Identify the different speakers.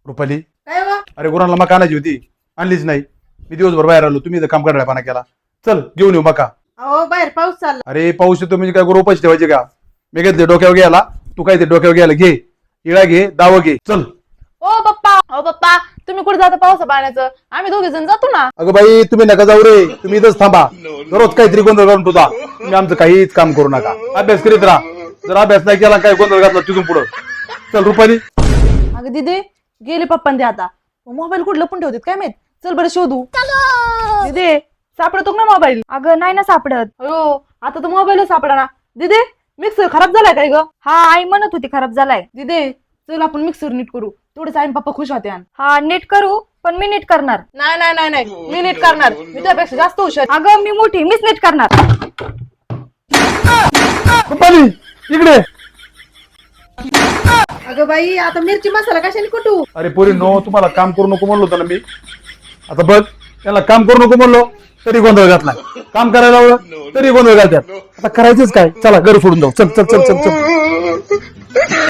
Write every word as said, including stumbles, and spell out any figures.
Speaker 1: रुपाली
Speaker 2: काय वा
Speaker 1: अरे गुरांना मका आणायची होती, आणलीच नाही. मी दिवसभर बाहेर आलो, तुम्ही इथं काम करायला पाना केला. चल घेऊन येऊ मका.
Speaker 2: अहो बाहेर पाऊस चालला.
Speaker 1: अरे पाऊस येतो म्हणजे काय गुरु पैसे ठेवायचे का? मी घेतले डोक्यावर घ्यायला, तू काय ते डोक्यावर घ्यायला घे, इळा घे, दाव घे, चल.
Speaker 3: ओ पप्पा ओ पप्पा तुम्ही कुठे जाता पावसा पाण्याचं? आम्ही दोघे जण जातो ना.
Speaker 1: अगं बाई तुम्ही नका जाऊ रे, तुम्ही इथंच थांबा. दररोज काहीतरी गोंधळ करून तुझा, तुम्ही आमचं काहीच काम करू नका. अभ्यास करीत राहा. जर अभ्यास नाही केला काय गोंधळ घातला तिथून पुढं. चल रुपाली.
Speaker 3: अगं दिदे गेले पप्पान ते आता. मोबाईल कुठं लपून ठेवतात काय माहित. चल बरं शोधू. दिदे सापडतो ना मोबाईल?
Speaker 4: अगं नाही ना सापडत.
Speaker 3: अयो आता तर मोबाईलच सापडा ना. दिदे मिक्सर खराब झालाय काय ग?
Speaker 4: हा आई म्हणत होती खराब झालाय.
Speaker 3: दिदे चल आपण मिक्सर नीट करू, थोडेच आई पप्पा खुश होते.
Speaker 4: हा नीट करू, पण मी नीट करणार.
Speaker 3: नाही नाही नाही नाही मी नीट करणार. मी त्यापेक्षा जास्त हुशार.
Speaker 4: अगं मी मोठी, मीच नीट करणार.
Speaker 1: रुपाली इकडे.
Speaker 2: अगं बाई आता मिरची मसाला कशाने कुटू?
Speaker 1: अरे पोरी नो, तुम्हाला काम करू नको म्हणलो होतं ना मी. आता बघ, त्याला काम करू नको म्हणलो तरी गोंधळ घातला, काम करायला लावलं तरी गोंधळ घालतात. आता करायचंच काय? चला घर सोडून जाऊ. चल चल चल चल चल.